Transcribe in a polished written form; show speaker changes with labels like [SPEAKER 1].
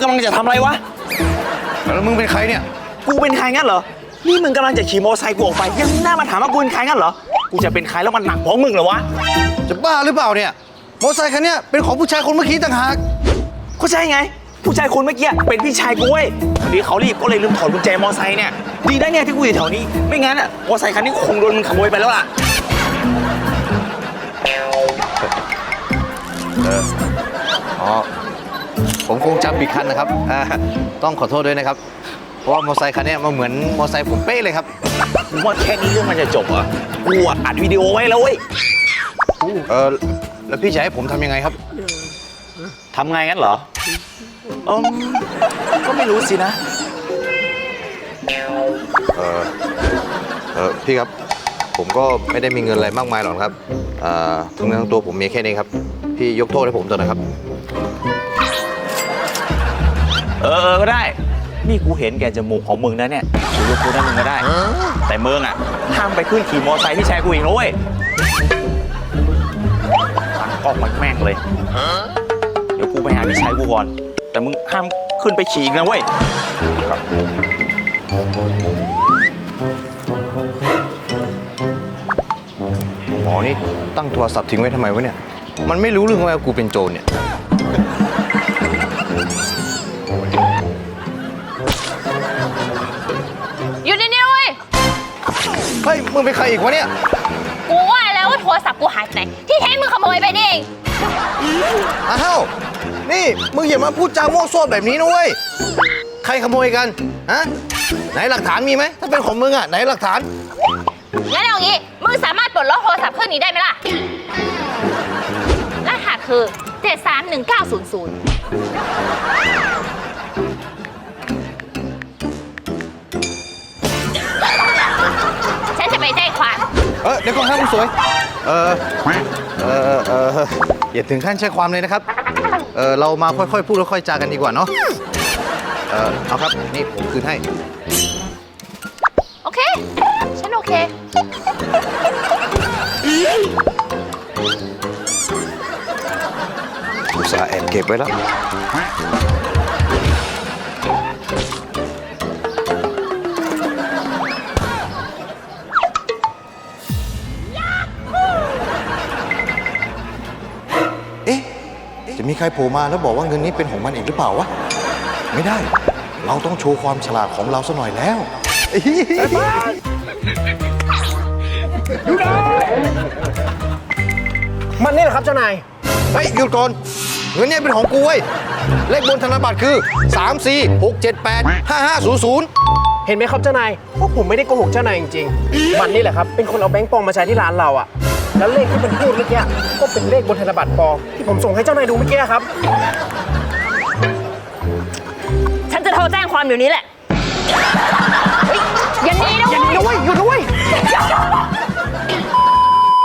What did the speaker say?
[SPEAKER 1] กำลังจะทำอะไรวะ
[SPEAKER 2] แล้วมึงเป็นใครเนี่ย
[SPEAKER 1] กูเป็นใครงั้นเหรอนี่มึงกำลังจะขี่มอเตอร์ไซค์กูออกไปยังหน้ามาถามว่ากูเป็นใครงั้นเหรอกูจะเป็นใครแล้วมันหนักเพราะมึงเหรอวะ
[SPEAKER 2] จะบ้าหรือเปล่าเนี่ยมอเตอร์ไซค์คันนี้เป็นของผู้ชายคนเมื่อกี้ต่างหาก
[SPEAKER 1] ก็ใช่ไงผู้ชายคนเมื่อกี้เป็นพี่ชายกูเว้ยพอดีเขารีบก็เลยลืมถอดกุญแจมอเตอร์ไซค์เนี่ยดีนะเนี่ยที่กูอยู่แถวนี้ไม่งั้นอ่ะมอเตอร์ไซค์คันนี้คงโดนมึงขโมยไปแล้วล่ะ
[SPEAKER 2] อ๋อผมคงจำผิดคันนะครับต้องขอโทษด้วยนะครับเพราะว่ามอเตอร์ไซค์คันนี้มันเหมือนมอเตอร์ไซค์ผมเป๊ะเลยครับ
[SPEAKER 1] ว่าแค่นี้เรื่องมันจะจบเหรอกูอัดวิดีโอไว้แล้วเว้ย
[SPEAKER 2] แล้วพี่จะให้ผมทำยังไงครับ
[SPEAKER 1] ทำไงงั้นเหรอก็ไม่รู้สินะ
[SPEAKER 2] พี่ครับผมก็ไม่ได้มีเงินอะไรมากมายหรอกครับทั้งเนื้อทั้งตัวผมมีแค่นี้ครับพี่ยกโทษให้ผมเถอะนะครับ
[SPEAKER 1] ก็ได้นี่กูเห็นแกจมูกของมึงนะเนี่ยกูยกโทษให้มึงก็ได้แต่มึงอ่ะห้ามไปขึ้นขี่มอเตอร์ไซค์พี่ชายกูอีกนะเว้ยฟังกล้องมันแม่งเลยเดี๋ยวกูไปหาพี่ชายกูก่อนแต่มึงห้ามขึ้นไปขี่อีกนะเว้ย
[SPEAKER 2] หมอนี่ตั้งโทรศัพท์ทิ้งไว้ทำไมวะเนี่ยมันไม่รู้เรื่องว่ากูเป็นโจรเนี่ย
[SPEAKER 3] อยู่นี่เว้ย
[SPEAKER 2] เฮ้ยมึงเป็นใครอีกวะเนี่ย
[SPEAKER 3] กูว่าแล้วว่าโทรศัพท์กูหายไปไหนที่แท้มึงขโมยไปนี่เอง
[SPEAKER 2] อ้าวนี่มึงอย่ามาพูดจาโม้โซ่แบบนี้นะเว้ยใครขโมยกันฮะไหนหลักฐานมีไหมถ้าเป็นของมึงอ่ะไหนหลักฐาน
[SPEAKER 3] งั้นเอางี้มึงสามารถปลดล็อกโทรศัพท์เครื่องนี้ได้ไหมล่ะรหัสคือ731900ฉันจะไปแจ้งความ
[SPEAKER 2] เดี๋ยวก่อนครับคุณสวยอย่าถึงขั้นแจ้งความเลยนะครับเรามาค่อยๆพูดค่อยๆจากันดีกว่าเนาะเอาครับนี่ผมคืนให้
[SPEAKER 3] โอเคฉันโอเค
[SPEAKER 2] อุตส่าห์แอบเก็บไว้แล้วจะมีใครโผล่มาแล้วบอกว่าเงินนี้เป็นของมันเองหรือเปล่าวะไม่ได้เราต้องโชว์ความฉลาดของเราซะหน่อยแล้ว
[SPEAKER 4] มันนี่แหละครับเจ้านาย
[SPEAKER 2] เฮ้ยหยุดก่อนเงินนี้เป็นของกูเว้ยเลขบนธนบัตรคือ34678550
[SPEAKER 4] เห็นไหมครับเจ้านายพวกผมไม่ได้โกหกเจ้านายจริงๆมันนี่แหละครับเป็นคนเอาแบงค์ปลอมมาใช้ที่ร้านเราอะแล้วเลขที่มันพูดเมื่อกี้ก็เป็นเลขบนธนบัตรปลอมที่ผมส่งให้เจ้านายดูเมื่อกี้ครับ
[SPEAKER 3] ฉันจะโทรแจ้งความเดี๋ยวนี้แหละอย่าหนีนะเว้ย
[SPEAKER 4] หยุดนะเว้ย